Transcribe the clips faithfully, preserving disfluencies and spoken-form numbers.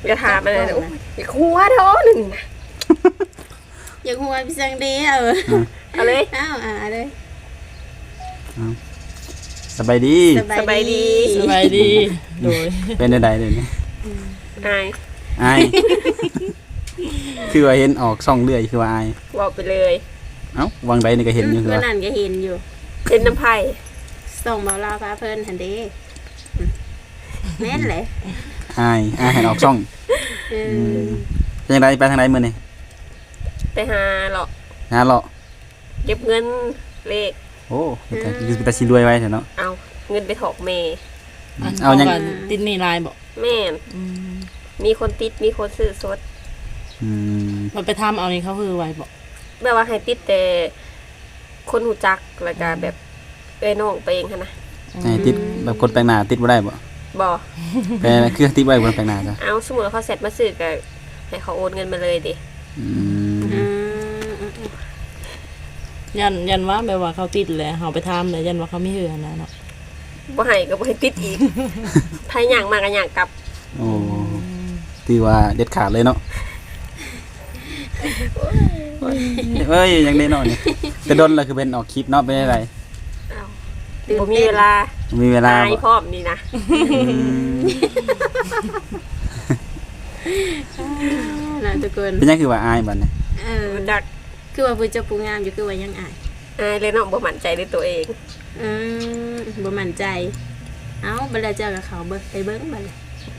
อย่าถามอะไรนะอย่าคัวท้อหนึ่งนะอย่าหัวพี่สังเดียวเอาเลยอ้าวอ่าเลยสบายดีสบายดีสบายดีโดยเป็นใดๆเลยนี่อายอายคือว่าเห็นออกช่องเรื่อยคือว่าอายบอกไปเลยเอ้าวังใดนี่ก็เห็นอยู่คือเมื่อว่านั้นก็เห็นอยู่เป็นน้ำไผ่ส่งเบาลาพาเพิ่นหันเด้แม่นเลยอายอายเห็นออกช่องเออเป็นจังไดไปทางใดมื้อนี่ไปหาหรอกหาเลาะเก็บเงินเลขโอ้เฮ็ดแต่คือแต่สิรวยไว้เถอะเนาะเอาเงินไปถอกเมย์เอายังกันติดหนี่ลายบอกแม่นมีคนติดมีคนซื้อสดอืมมันไปทำเอานี่เขาคือไว้บอกแบบว่าให้ติดแต่คนหูจักแล้วก็แบบเอ้ยน้องไปเองค่ะนะให้ติดแบบคนแปลกหน้าติดบ่ได้บ่บอแปลคือติดไว้คนแปลกหน้าจ้ะเอาสมมติว่าเขาเสร็จมาซื้อก็ให้เขาโอนเงินมาเลยดิอืมอืมยันยันว่าแบบว่าเขาติดแหละเขาไปทำเลยยันว่าเขาไม่เหือนะเนาะบ่ให้ก็บ่ให้ติดอีกไทยอย่างมากกันอย่างกลับโอ้ถือว่าเด็ดขาดเลยเนาะเอ้ยยังได้เนาะนี่แต่ดนแล้วคือเป็นออกคลิปเนาะเป็นอะไรเอาบ่มีเวลามีเวลาตายบ่พร้อมนี่นะอืมน่าทุกคนเป็นยังคือว่าอายบัดนี้เออดักคือว่าผู้เจ้าผู้งามอยู่คือว่ายังอายอายเลยเนาะบ่มั่นใจในตัวเองอืมบ่มั่นใจ เอ้าบัดแล้วเจ้ากับเขาเบิ่งไปเบิ่งบัดเลย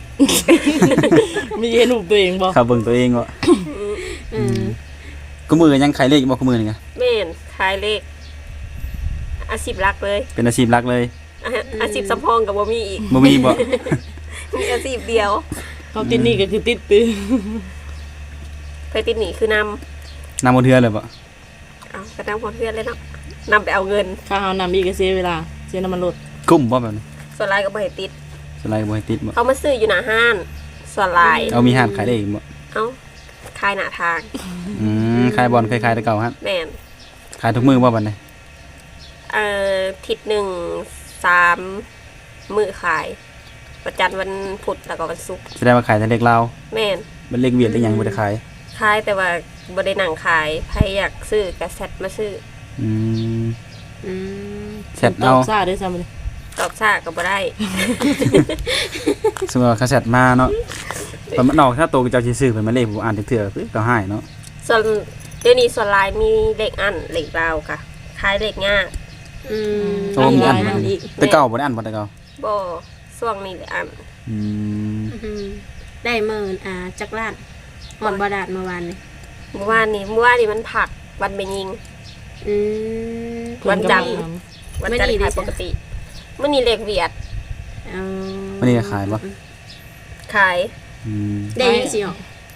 มีเห็นรูปตัวเองบอกเขาเบิ่งตัวเองบ่อืมกูมือยังขายเลขอยู่บ่กูมือนี่ไงแม่นขายเลขอาชีพหลักเลยเป็นอาชีพหลักเลยอาอาชีพสำรองก็บ่มีอีกบ่มีบ่มีอาชีพเดียวเขาติดหนี่ก็คือติดปืนเคยติดหนี้คือนำนำบ่เทื่อเลยบ่เอากระนำพอเพื่อนเลยเนาะนำไปเอาเงินข้าเขานำอีกก็เสียเวลาเสียน้ำมันรถกุ้มบ่แบบนี้ส่วนลายก็บ่ให้ติดสไลด์บ่ให้ติดบ่เขามาซื้ออยู่หน้าห้านส่วนลายเอามีห้านขายเลขบ่เอ้าขายหน้าทางอืมขายบอลเคยขายแต่เก่าฮะแม่นขายทุกมื้อบ่บัดนี้เอ่อทิศหนึ่งสามมือขายประจันทร์วันพุธแล้วก็วันศุกร์แสดงว่าขายแต่เลขลาวแม่นเป็นเลขเวียดได้หยังบ่ได้ขายขายแต่ว่าบ่ได้หนังขายใครอยากซื้อก็แซดมาซื้ออืมอืมเสร็จตเอาอบซ่าด้วยซ้ำเลยตอบซ่าก็บ่ได้สมมุติว่าเขาเสร็จมาเนาะเพิ่นมันออกถ้าโตก็เจ้าสิซื้อเพิ่นมาเลขผมอ่านเถื่อๆคือก็ให้เนาะส่วนเดี๋ยวนี้ส่วนลายมีเลขอันเลขราวค่ะขายเลขง่ายอืมโอ้มีอันนั่นอีกแต่เก่าบ่ได้อันบ่แต่เก่าบ่ช่วงนี้เลขอันอืมอืมได้หมื่นอ่าจักรล้านหอดบาดาลเมื่อวานนี่เมื่อวานนี้เมื่อวานนี้มันผักวันไปยิงอืมวันจันทร์ วันจันทไม่ร์ดีขายดิปกติมันนี่เลขเวียดเอาวันนี้ก็ขายบ่ขายอืมได้ยังสิอ๋อ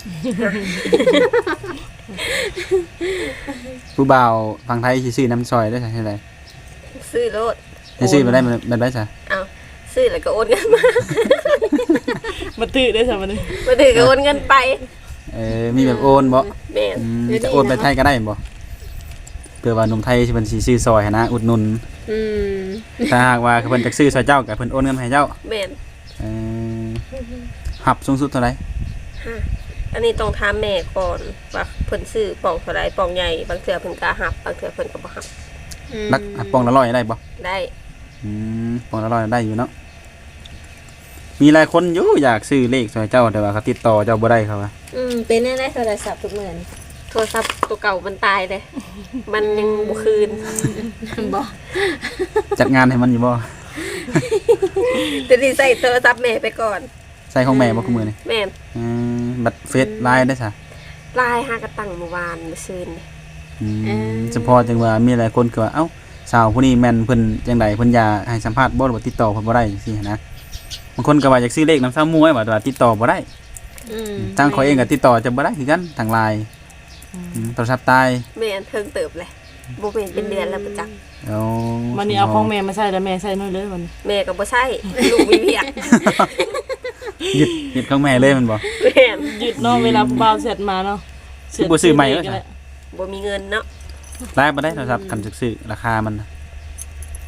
ผู้บ่าวฝั่งไทยสิซื้อน้ำซอยได้ใช่ไหมซื้อรถให้ซื้อมาได้มันมันได้จ้ะเอาซื้อแล้วก็โอนเงินมามาตื้อได้ซ้ำเลยมาถือก็โอนเงินไปเออมีแบบโอนบ่แม่นอืมจะโอนไปไทยก็ได้บ่เพื่อว่าหนุ่มไทยสิเพิ่นสิซื้อซอยให้นะอุดหนุนอืมถ้าหากว่าเพิ่นจักซื้อซอยเจ้าก็เพิ่นโอนเงินมาให้เจ้าแม่นเออหับสูงสุดเท่าไหร่ฮะอันนี้ต้องถามแม่ก่อนว่าเพิ่นซื้อปองเท่าไรปองใหญ่บางเทื่อเพิ่นก็หับบางเทื่อเพิ่นก็บ่หับลักอ่ะปองละร้อยได้บ่ได้อืมปองละร้อยได้อยู่เนาะมีหลายคนอยู่อยากซื้อเลขซอยเจ้าแต่ว่าเขาติดต่อเจ้าบ่ได้เขาว่าอืมเป็นได้โทรศัพท์ทุกเหมือนโทรศัพท์ตัวเก่ามันตายเลย มันยังบ่คืนบอกจัดงานให้มันอยู่บ่จะสิใส่โทรศัพท์แม่ไปก่อนใส่ของแม่บ่คือมื้อนี้แม่นอืมบัตรเฟซไลน์ได้ซะไลน์หากระตั้งเมื่อวานเมื่อคืนนี่อืมเฉพาะจังว่ามีหลายคนก็ว่าเอ้าสาวผู้นี้แม่นเพิ่นจังไดเพิ่นอยากให้สัมภาษณ์บ่หรือว่าติดต่อเพิ่นบ่ได้จังซี่หั้นนะบางคนก็ว่าอยากซื้อเลขนำซ้ำมวยว่าแต่ว่าติดต่อบ่ได้อืมทางเขาเองก็ติดต่อจะบ่ได้คือกันทางไลน์อืมโทรศัพท์ตายแม่นเพิ่งเติบเลยบ่เป็นเป็นเดือนแล้วประจักษ์เอาวันนี้เอาของแม่มาใส่แล้วแม่ใส่น้อยเลยวันนี้แม่ก็บ่ใช่ลูกมีเพียกหยุดหยุดของแม่เลยมันบ่แม่นหยุดเนาะเวลาผู้บ่าวเสร็จมาเนาะคือบ่ซื้อใหม่แล้วก็จ้ะได้บ่มีเงินเนาะไลน์บ่ได้โทรศัพท์คันซื้อราคามัน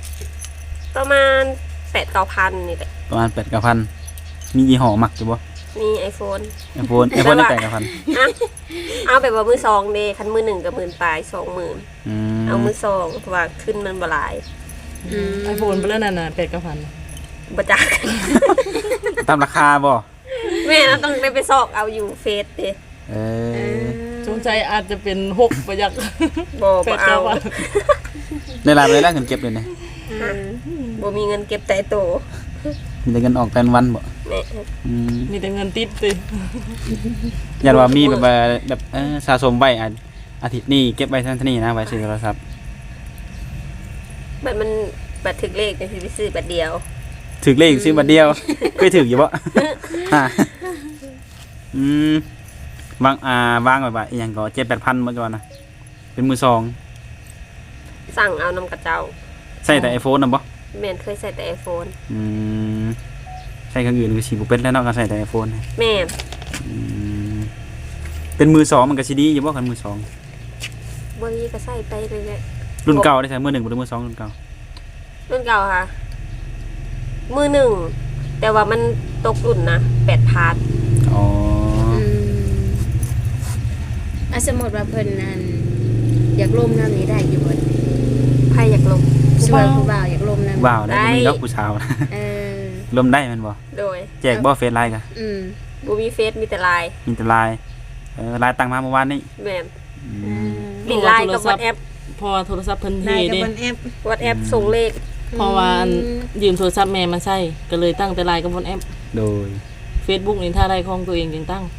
ประมาณแปดเก้าพันนี่แหละประมาณ แปดเก้าพัน มียี่ห้อมักอยู่บ่มี iPhone ไอโฟนไอโฟนได้แต่กับพันอะเอาแบบว่ามือสองเด้คันมือหนึ่งกับหมื่นปลายสองหมื่นอืมเอามือสองเพราะว่าขึ้นมันบ่หลายอืมไอโฟนไปแล้วนั่นน่ะแปดกับพันบ่จักตามราคาบ่แม่เราต้องได้ไปซอกเอาอยู่เฟซเด้เอเอออสงสัยอาจจะเป็นหกประยักบ่แปบ่ดเอากับพันได้รายไปแล้วเงินเก็บเลยเนี่ยเออบ่มีเงินเก็บแต่โตมีแต่เงินออกแต่วันบ่แม่อืมมีแต่เงินติดติยันว่ามีแบบว่าแบบเออสะสมไว้อาอาทิตย์นี้เก็บไว้ทันทีนะไว้ซื้อโทรศัพท์บัตรมันบัตรถึกเลขจังสิไปซื้อบัตรเดียวถึกเลขซื้อบัตรเดียว เคยถึกอยู่บ่ ฮะอืมวางอ่าวางไว้ว่าอีหยังก็เจ็ดแปดพันบ่จอนะเป็นมือสองสั่งเอานำกระเจ้าใส่แต่ iPhone น่ะบ่แม่นเคยใส่แต่ iPhone อืมใส่เครื่องอื่นก็สิบ่เป็นแล้วเนาะก็ใส่แต่ iPhone แม่นอืมเป็นมือสองมันก็สิดีอยู่บ่คันมือสองบ่มีก็ใส่ไปเลยแหละรุ่นเก่าได้ใส่มือหนึ่งบ่ได้มือสองรุ่นเก่ารุ่นเก่าค่ะ มือหนึ่ง แต่ว่ามันตกรุ่นนะแปดพาร์ทอ๋ออืมอ่ะสมมุติว่าเพิ่นนั่นอยากลมน้ำนี้ได้อยู่บ่ใครอยากลงช่วยผู้บ่าวอยากลมน้ำว้าวได้ได้บ่มีดอกผู้สาวนะเออลมได้แมันบ่โดยแจกบ่เฟซไลน์กะอืมบูมีเฟซมีแต่ไลน์มีแต่ไลน์เออไลน์ตั้งมาเมื่อวานนี้แม่นอืเอมอลินไลน์กับวอทแอปพอโทรศัพท์เพิ่นเทได้กับเด้บนแอปวอทแอปส่งเลขเพราะว่าอันยืมโทรศัพท์แม่มาใช้ก็เลยตั้งแต่ไลน์กับบนแอปโดย Facebook นี่ถ้าได้ของตัวเองจึงตั้ง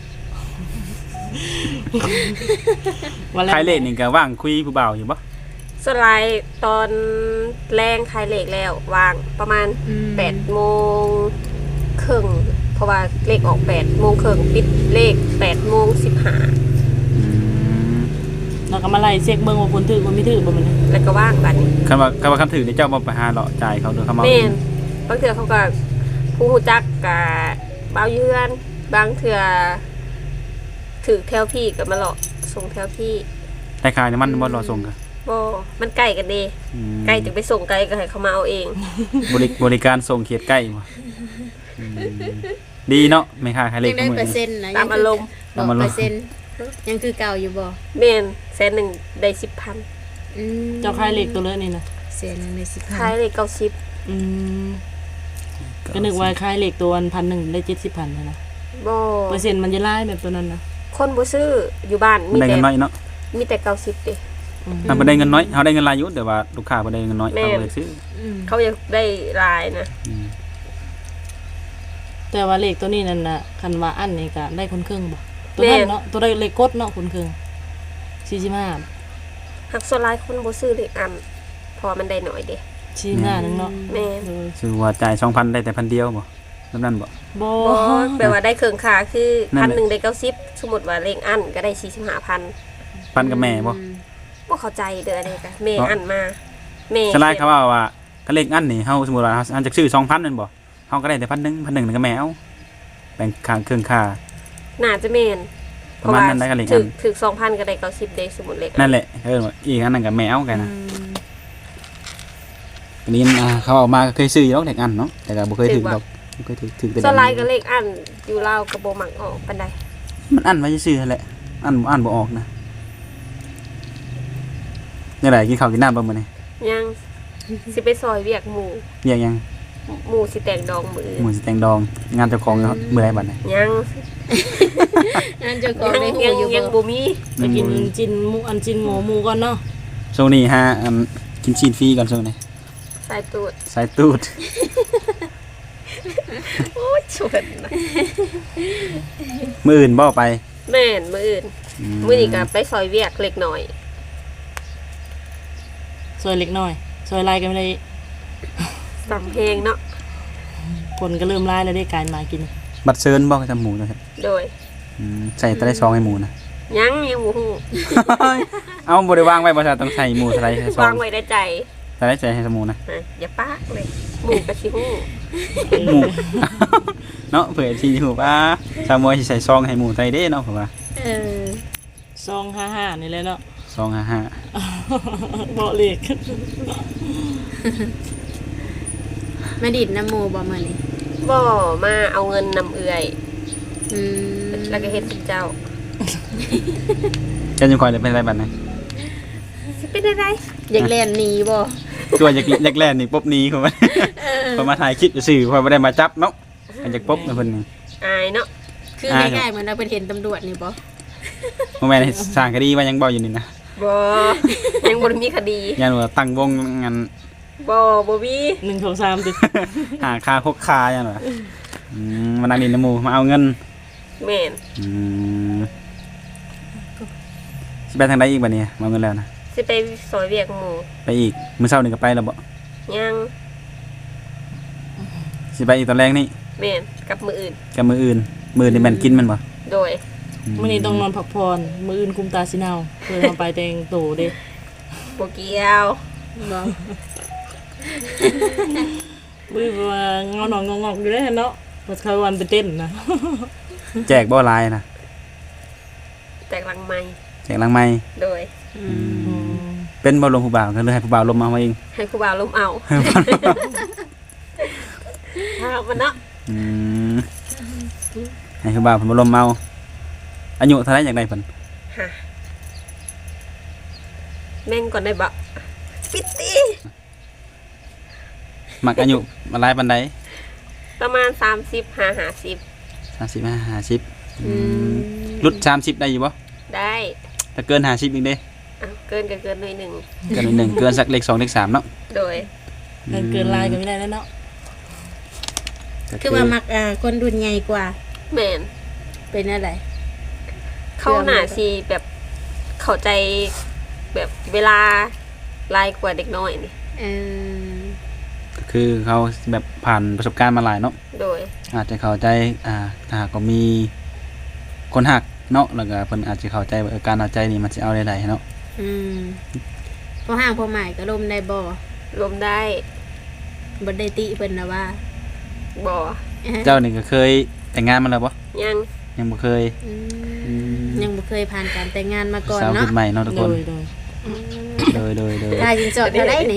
วันแรกขายเลขนี่ก็ว่างคุยผู้บ่าวอยู่บ่สไลด์ตอนแรงคลายเลขแล้ววางประมาณอืมแปดโมงครึ่งเพราะว่าเลขออกแปดโมงครึ่งปิดเลขแปดโมงสิบห้าอืมเราก็มาไล่เช็คเบิ่งว่าคนถือคนไม่ถือบ่มันแล้วก็ว่างบัดนี้คำว่าคำว่าคำถือนี่เจ้าบ่ไปหาเลาะจ่ายเขาเด้อเขามาแม่นบางเถื่อเขาก็ผู้หูจักกับเบาเยือน บางเถื่อถือแถวพี่กับมาหลอกส่งแถวพี่ได้ขายน้ำมันบ่รอส่งกะบ่มันใกล้กันเดอืมใกล้จะไปส่งไกลก็ให้เขามาเอาเองบริบริการส่งเขตใกล้บ่อืมดีเนาะไม่ค่าขายเลยัขงได้มื้อเปอร์นี้เซ็นต์นะตามอารมณ์บอตาก มอารมณ์เปอร์เซ็นต์ยังคือเก่าอยู่บ่แม่นแสนหนึ่งได้สิบพันอืมเจ้าค่ายเลขตัวเลือนี่นะแสนหนึงได้สิบพันขายเลยเก้าสิบอืมก็นึกว่าค่ายเลขตัวพันหนึ่งได้เจ็ดสิบพันเลยนะบ่เปอร์เซ็นต์มันจะไล่แบบตัวนั้นนะคนบ่ซื้ออยู่บ้านมันมีได้แต่เงินน้อยเนาะมีแต่เก้าสิบเด้อืมถ้าบ่ได้เงินน้อยเฮาได้เงินหลายอยู่แต่ว่าลูกค้าบ่ได้เงินน้อยแม่เขาเลยซื้ออืมเขาอยากได้ลายนะอืมแต่ว่าเลขตัวนี้นั่นน่ะคันว่าอันนี่ก็ได้คนครึ่งบ่ตัวนั้นเนาะตัวได้เลขกดเนาะคนครึ่งสี่สิบห้าหักส่วนหลายคนบ่ซื้อเลขอันเพราะว่ามันได้น้อยเด้สี่สิบห้านึงเนาะแม่นโดยซื้อว่าจ่ายสองพันได้แต่พันเดียวบ่แบบนั้นบ่บ่บ่แปลว่าได้เครื่องค่าคือนั่นแหละพันหนึ่งได้เก้าสิบสมมุติว่าเลขอันก็ได้สี่สิบห้าพันพันกับแม่บ่บ่เข้าใจเด้ออันนี้ก็แม่เนาะอันมาแม่สไลด์เขาว่าว่าก็เลขอันนี่เฮาสมมุติว่าเฮาอันจะซื้อสองพันนั่นบ่เฮาก็ได้แต่พันหนึ่งพันหนึ่งนั่นก็แม่เอาแบ่งค่าเครื่องค่าน่าจะแม่นประมาณนั้นได้ก็เลขอันถึกถึกสองพันก็ได้เก้าสิบเด้สมมุติเลขอันั่นแหละเอออีกอันนั้นก็แม่เอากันนะอันนี้อ่าเขาเอามาก็เคยซื้ออยู่แล้วเลขอันเนาะแต่ก็บ่เคยถึงดอกบ่เคยถึงถึงแต่ส่วนหลายก็เลขอันอยู่ลาวก็บ่มักออกปานใดมันอันไว้ซื่อๆนั่นแหละอันบ่อันบ่ออกนะนี่แหละกินข้าวกินน้ำบ่มื้อนี้ยังสิไปซอยเวียกหมู่เรียกยังหมู่สิแต่งดองมือหมูสิแตงดองงานเจ้าของเนาะมื้อใดบัดนี้ยังอันเจ้าของยังได้หูยังอยู่ยังบ่บ่มีไปกินจินหมูอันจินหมูหมูก่อนเนาะช่วงนี้ฮะอันกินชีนฟรีก่อนช่วงนี้สายตูดสายตูดโอ้ยชวนนะมื้ออื่นบ่ไปแม่นมื้ออื่นมื้อนี้ก็ไปซอยเวียกเล็กน้อยซอยเล็กน้อยซอยลายกันไม่ได้สำเพลงเนาะคนก็เริ่มไล่แล้วได้การมากินบัตรเชิญบ่จำหมูนะครับโดยอืมใส่แต่ได้ซองให้หมูนะยังยังบ่ฮู้เอาบ่ได้วางไว้บ่ใช่ต้องใส่หมูใส่ให้ซอวาง งไว้ในใจใส่ได้ใส่ให้สมูนะนะอย่าปากเลยหมู่ก็สิฮู้หมู เนาะเผื่อที่อยู่ว่าชาวมวยสิใส่ซองให้หมูใส่เด้เนาะผมว่าเออซองห้าห้านี่แหละเนาะซองห้าห้าเบาะเหล็กมาดิดน้ำหมูบ่มื้อนี้บ่มาเอาเงินนำเอื่อยอืมแล้วก็เฮ็ดเป็นเจ้าเจ้าจังคอยเลยเป็นอะไรบัดนี้สิเป็นได้ไดอยากเล่นหนีบ่ตัวอยากอยากแล่นนี่ปุ๊บหนี้เข้ามาพอมาถ่ายคลิปซื่อๆพอบ่ได้มาจับเนาะมันจะปุ๊บนะเพิ่นนี่อายเนาะคืออ่าง่ายๆเหมือนเราไปเห็นตำรวจนี่บ่บ่แม่นสร้างคดีว่ายังบ่อยู่นี่นะบ่ยังบ่ได้มีคดียันว่าตั้งวงงานบ่บ่มีหนึ่งสองสามติดหาค่าคกคายันว่าอืมมานั่งดินน้ำหมู่มาเอาเงินแม่นอืมสิไปทางใดอีกบัดนี้มาเอาเงินแล้วนะสิไปซอยเวียกหมู่ไปอีกมื้อเช้านี่ก็ไปแล้วบ่ยังสิไปอีกตอนแรกนี่แม่นกับมืออื่นกับมื้ออื่นมื้อนี่แม่นกินมันบ่โดยมื้อนี้ต้องนอนพักผ่อนมื้ออื่นคุมตาสิเนาเพื่อมาไปแต่งโตเด้บ่เกี่ยวบ่มื้อว่าเงานอนงอกๆอยู่เด้เนาะว่าเขาวันไปเต้นนะแจกบ่หลายนะแตกหลังใหม่แจกหลังไม้โดยอืมเป็นบ่ลมผู้บ่าวก็เลยให้ผู้บ่าวลมมาเอาเองให้ครูบาลมเอาถ้ามันเนาะอืมให้ผู้บ่าวเพิ่นบ่ลมเมาอายุเท่าไหร่อย่างใดเพิ่นฮะแม่งก่อนได้บ่ปิดติมักอายุมาหลายปานใดประมาณสามสิบห้าห้าสิบสามสิบห้า ห้าสิบอืมรุดสามสิบได้อยู่บ่ได้ถ้าเกินห้าสิบอีกเด้อ้าวเกินก็เกินหน่อยหนึ่งเกินนิดหนึงเกินสักเลขสองเลขสามเนาะโดยเกินเกินลายก็ไม่ได้แล้วเนาะก็คือว่ามักอ่าคนรุ่นใหญ่กว่าแม่นเป็นอะไรเข้าหน้าสิแบบเข้าใจแบบเวลาลายกว่าเด็กน้อยนี่เออก็คือเขาแบบผ่านประสบการณ์มาหลายเนาะโดยอาจจะเข้าใจอ่าถ้าหากว่ามีคนหักเนาะแล้วก็เพิ่นอาจจะเข้าใจว่าเออการเอาใจนี่มันสิเอาได้ๆเนาะอืมพอห่างพอหมายก็ลมได้บ่รวมได้บ่ได้ติเพิ่นนะว่าบ่เจ้านี่ก็เคยแต่งงานมาแล้วบ่ยังยังบ่เคยอืมอืมยังบ่เคยผ่านการแต่งงานมาก่อนสาวเนาะขึ้นใหม่เนาะทุกโดคนยโดยโดยโดยโดยค่าสินสอดเท่าไดนี่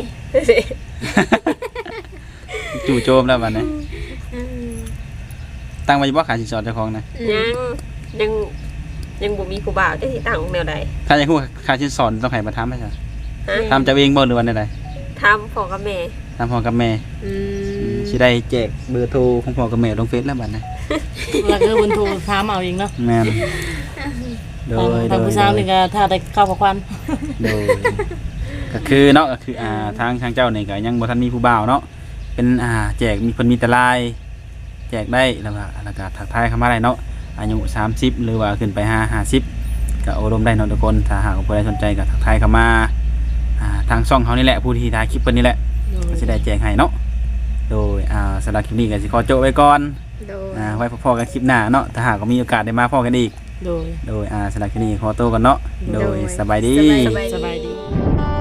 จู่โจมแล้วบัดนี้อืมตั้งไว้บ่ขาสินสอดเจ้าของนะยังยังยังบ่มีครูบาจะสิตั้งแนวใดถ้าอยากฮู้ขาสินสอดต้องให้มาถามให้ซะฮะถามเจ้าเองบ่หรือว่าใดทำพ่อกับแม่ๆถามพ่อกับแม่อืมสิได้แจกเบอร์โทรของพ่อกับแม่ลงเฟซแล้วบัดนี้แล้วก็บนโทรถามเอาเองเนาะแม่นโดทางยโดทางยผู้สาวนี่ก็ถ้าได้ข้าวกับควันโดยก็คือเนาะก็คืออ่าทางทางเจ้านี่ก็ยังบ่ทันมีผู้บ่าวเนาะเป็นอ่าแจกมีเพิ่นมีแต่ลายแจกได้แล้วก็แล้วก็ทักทายเข้ามาได้เนาะอายุสามสิบหรือว่าขึ้นไปห้า ห้าสิบก็อบรมได้เนาะทุกคนถ้าหากว่าผู้ใดสนใจก็ทักทายเข้ามาอ่าทางช่องเฮานี่แหละผู้ที่ถ่ายคลิปเพิ่นนี่แหละก็สิได้แจกให้เนาะโดยอ่าสำหรับคลิปนี้ก็สิขอโจะไว้ก่อนโดยอ่าไว้พอๆกันคลิปหน้าเนาะถ้าหากว่ามีโอกาสได้มาพอกันอีกโดยโดยอ่าสำหรับคลิปนี้ขอตัวก่อนเนาะโดยสบายดีสบายสบายดี